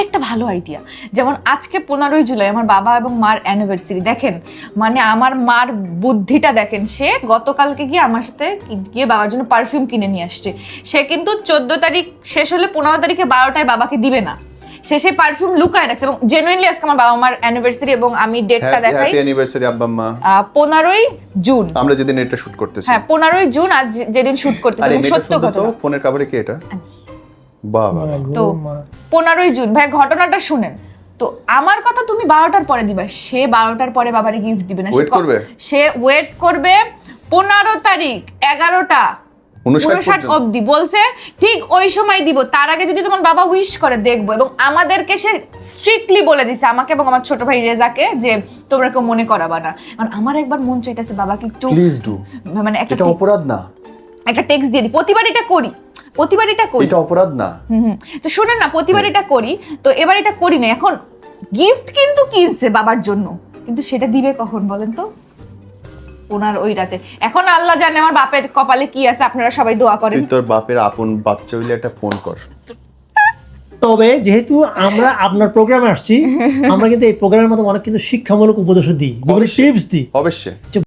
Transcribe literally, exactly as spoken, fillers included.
একটা ভালো আইডিয়া। যেমন আজকে পনেরোই জুলাই আমার বাবা এবং মার অ্যানিভার্সারি, দেখেন মানে আমার মার বুদ্ধিটা দেখেন, সে গতকালকে গিয়ে আমার সাথে গিয়ে বাবার জন্য পারফিউম কিনে নিয়ে আসছে। সে কিন্তু চোদ্দ তারিখ শেষ হলে পনেরো তারিখে বারোটায় বাবাকে দিবে না, সে সেই পারফিউম লুকায় রাখছে। এবং জেনুইনলি আজকে আমার বাবা মার অ্যানিভার্সারি এবং আমি ডেটটা দেখাই, হ্যাপি অ্যানিভার্সারি আব্বা আম্মা। পনেরোই জুন, আমরা যেদিন এটা শুট করতেছি, হ্যাঁ পনেরোই জুন আজ যেদিন শুট করতেছি, আরে এবং মেয়েটা সত্য শুনতো তো, ঘটনা। ফোনের কভারে কি এটা? বাবা তো পনেরোই জুন ভাই ঘটনাটা শুনেন। তো আমার কথা তুমি বারোটার পরে দিবা, সে বারোটার পরে বাবারে গিফট দিবে না, সে Wait করবে? সে ওয়েট করবে পনেরো তারিখ এগারোটা উনষাট উনষাট পর্যন্ত। অব্দি বলছে, ঠিক ওই সময় দিব। তার আগে যদি তোমার বাবা উইশ করে দেখবো। এবং আমাদেরকে সে স্ট্রিক্টলি বলে দিছে, আমাকে এবং আমার ছোট ভাই রেজাকে, যে তোমরা কেউ মনে করাবা না। কারণ আমার একবার মন চাইতেছে বাবাকে একটু প্লিজ ডু, মানে একটা এটা অপরাধ না, একটা টেক্সট দিয়ে দিই, প্রতিবার এটা করি, প্রতিবার এটা করি। এটা অপরাধ না। হুম হুম। তো শুনেন না, প্রতিবার এটা করি, তো এবার এটা করি না। এখন গিফট কিন্তু কিনছে বাবার জন্য, কিন্তু সেটা দিবে কখন বলেন তো? ওনার ওই রাতে। এখন আল্লাহ জানে আমার বাপের কপালে কি আছে, আপনারা সবাই দোয়া করেন। তুই তোর বাপের আপন বাচ্চা হইলে একটা ফোন কর। তবে যেহেতু আমরা আপনার প্রোগ্রামে আসছি, আমরা কিন্তু এই প্রোগ্রামের মধ্যে অনেক কিন্তু শিক্ষামূলক উপদেশও দিই, বিভিন্ন অবশ্যই। টিপস দিই। অবশ্যই।